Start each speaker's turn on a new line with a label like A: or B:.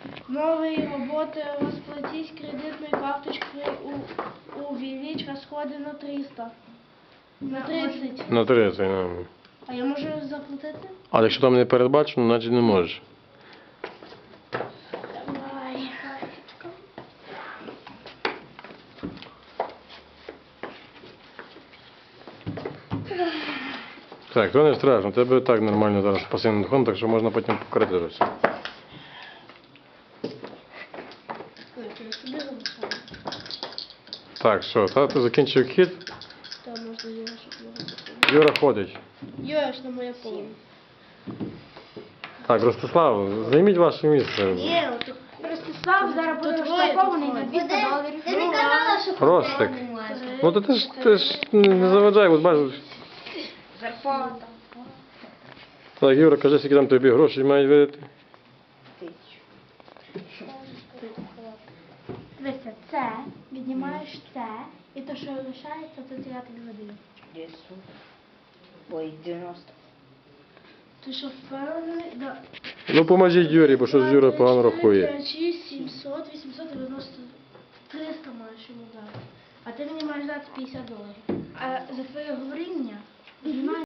A: Новые работы, расплатись кредитной карточкой, увеличь расходы на 300. На 30.
B: На 30, ну.
A: А я можу заплатити?
B: А якщо там не передбачено, значить не можеш.
A: Давай.
B: Так, то не страшно, тебе так нормально зараз пасивний доход, так що можна потім покрити вже все.
A: Я собі залишаю.
B: Так, що, тато закінчив хід,
A: Та можна Юра, щоб його закинути.
B: Юра ходить.
A: Юра ж на моє поле.
B: Так, Ростислав, займіть ваше місце.
A: Ні, от Ростислав зараз буде
C: розрахований на $200.
A: Ти не казала, що
B: Ростик. Ну то ти ж не заважай, от бачиш.
C: Зарплата.
B: Так, Юра, кажи, скільки там тобі гроші мають видати.
C: Дивися, це, віднімаєш це, і то, що лишається, то я тобі видаю.
D: 10. Ой, 90.
A: Ти що впевнений? Да.
B: Ну поможіть Юрі, бо щось Юра погано рахує.
A: 5, 6, 700, 890, 300 маєш йому дати. А ти мені маєш дати $50. А за твоє говоріння знімаєш